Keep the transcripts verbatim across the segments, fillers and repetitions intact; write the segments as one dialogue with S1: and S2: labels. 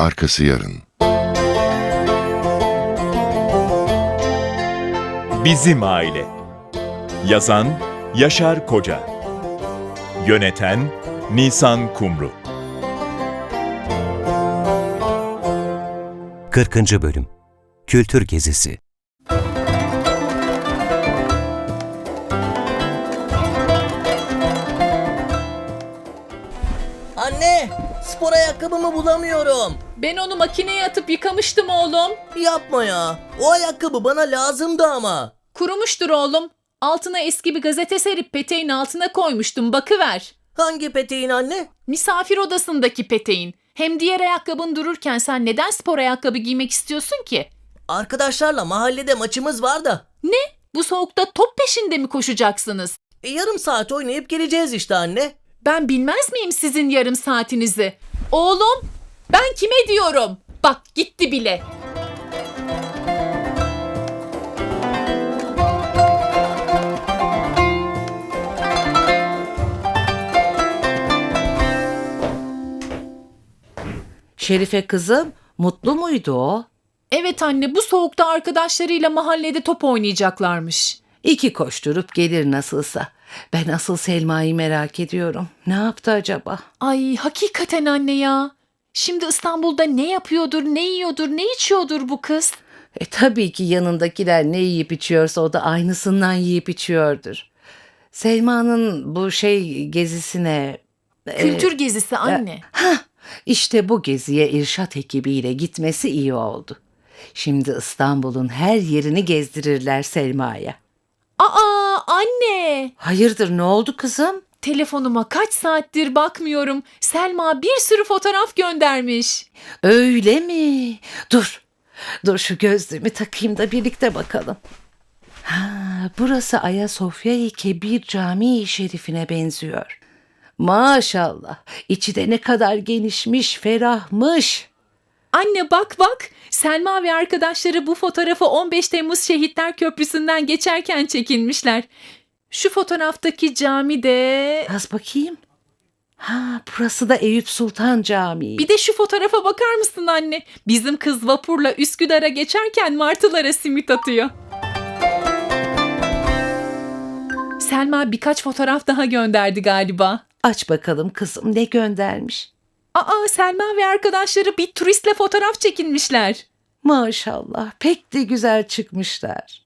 S1: arkası yarın.
S2: Bizim Aile. Yazan Yaşar Koca. Yöneten Nisan Kumru.
S3: kırkıncı. Bölüm Kültür Gezisi.
S4: Anne, spor ayakkabımı bulamıyorum.
S5: Ben onu makineye atıp yıkamıştım oğlum.
S4: Yapma ya. O ayakkabı bana lazımdı ama.
S5: Kurumuştur oğlum. Altına eski bir gazete serip peteğin altına koymuştum, bakıver.
S4: Hangi peteğin anne?
S5: Misafir odasındaki peteğin. Hem diğer ayakkabın dururken sen neden spor ayakkabı giymek istiyorsun ki?
S4: Arkadaşlarla mahallede maçımız var da.
S5: Ne? Bu soğukta top peşinde mi koşacaksınız?
S4: E, yarım saat oynayıp geleceğiz işte anne.
S5: Ben bilmez miyim sizin yarım saatinizi? Oğlum, ben kime diyorum? Bak gitti bile.
S6: Şerife kızım, mutlu muydu o?
S5: Evet anne, bu soğukta arkadaşlarıyla mahallede top oynayacaklarmış.
S6: İki koşturup gelir nasılsa. Ben asıl Selma'yı merak ediyorum. Ne yaptı acaba?
S5: Ay hakikaten anne ya. Şimdi İstanbul'da ne yapıyordur, ne yiyordur, ne içiyordur bu kız?
S6: E tabii ki yanındakiler ne yiyip içiyorsa o da aynısından yiyip içiyordur. Selma'nın bu şey gezisine... e,
S5: Kültür gezisi anne.
S6: Hah, işte bu geziye irşat ekibiyle gitmesi iyi oldu. Şimdi İstanbul'un her yerini gezdirirler Selma'ya.
S5: Aa anne.
S6: Hayırdır, ne oldu kızım?
S5: Telefonuma kaç saattir bakmıyorum. Selma bir sürü fotoğraf göndermiş.
S6: Öyle mi? Dur. Dur şu gözlüğümü takayım da birlikte bakalım. Ha, burası Ayasofya-i Kebir Camii-i Şerifine benziyor. Maşallah. İçi de ne kadar genişmiş, ferahmış.
S5: Anne bak bak. Selma ve arkadaşları bu fotoğrafı on beş Temmuz Şehitler Köprüsü'nden geçerken çekinmişler. Şu fotoğraftaki cami de...
S6: Az bakayım. Ha, burası da Eyüp Sultan Camii.
S5: Bir de şu fotoğrafa bakar mısın anne? Bizim kız vapurla Üsküdar'a geçerken martılara simit atıyor. Selma birkaç fotoğraf daha gönderdi galiba.
S6: Aç bakalım kızım, ne göndermiş.
S5: Aa Selma ve arkadaşları bir turistle fotoğraf çekinmişler.
S6: Maşallah, pek de güzel çıkmışlar.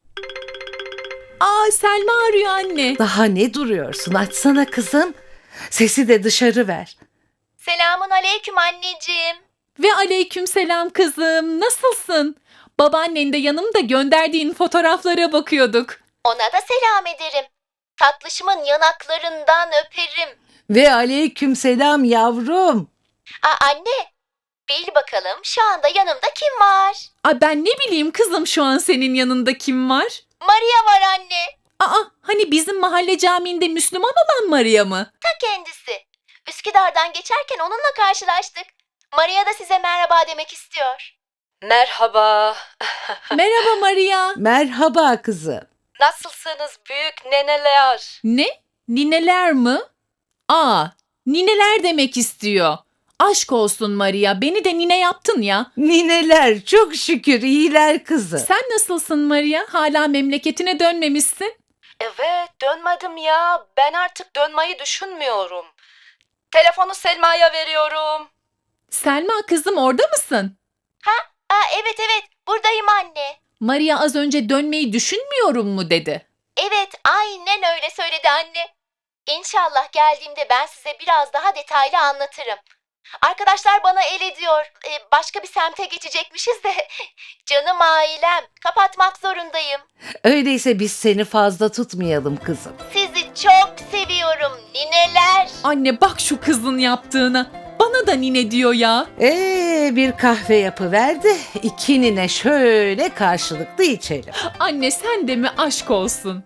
S5: Aa Selma arıyor anne.
S6: Daha ne duruyorsun? Açsana kızım. Sesi de dışarı ver.
S7: Selamun aleyküm anneciğim.
S5: Ve aleyküm selam kızım. Nasılsın? Babaannen de yanımda, gönderdiğin fotoğraflara bakıyorduk.
S7: Ona da selam ederim. Tatlışımın yanaklarından öperim.
S6: Ve aleyküm selam yavrum.
S7: Aa, anne, bil bakalım şu anda yanımda kim var?
S5: Aa ben ne bileyim kızım şu an senin yanında kim var?
S7: Maria var anne.
S5: Aa hani bizim mahalle camiinde Müslüman olan Maria mı?
S7: Ta kendisi. Üsküdar'dan geçerken onunla karşılaştık. Maria da size merhaba demek istiyor.
S8: Merhaba.
S5: Merhaba Maria.
S6: Merhaba kızım.
S8: Nasılsınız büyük neneler?
S5: Ne? Nineler mi? Aa nineler demek istiyor. Aşk olsun Maria, beni de nine yaptın ya.
S6: Nineler çok şükür iyiler kızım.
S5: Sen nasılsın Maria? Hala memleketine dönmemişsin.
S8: Evet, dönmedim ya. Ben artık dönmeyi düşünmüyorum. Telefonu Selma'ya veriyorum.
S5: Selma kızım orada mısın?
S7: Aa, evet evet buradayım anne.
S5: Maria az önce dönmeyi düşünmüyorum mu dedi.
S7: Evet aynen öyle söyledi anne. İnşallah geldiğimde ben size biraz daha detaylı anlatırım. Arkadaşlar bana el ediyor. Ee, başka bir semte geçecekmişiz de. Canım ailem. Kapatmak zorundayım.
S6: Öyleyse biz seni fazla tutmayalım kızım.
S7: Sizi çok seviyorum nineler.
S5: Anne bak şu kızın yaptığına. Bana da nine diyor ya.
S6: Ee, bir kahve yapıver de iki nine şöyle karşılıklı içelim.
S5: Anne sen de mi aşk olsun?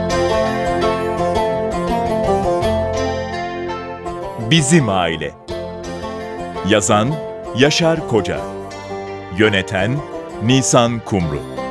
S2: Bizim Aile. Yazan Yaşar Koca. Yöneten Nisan Kumru.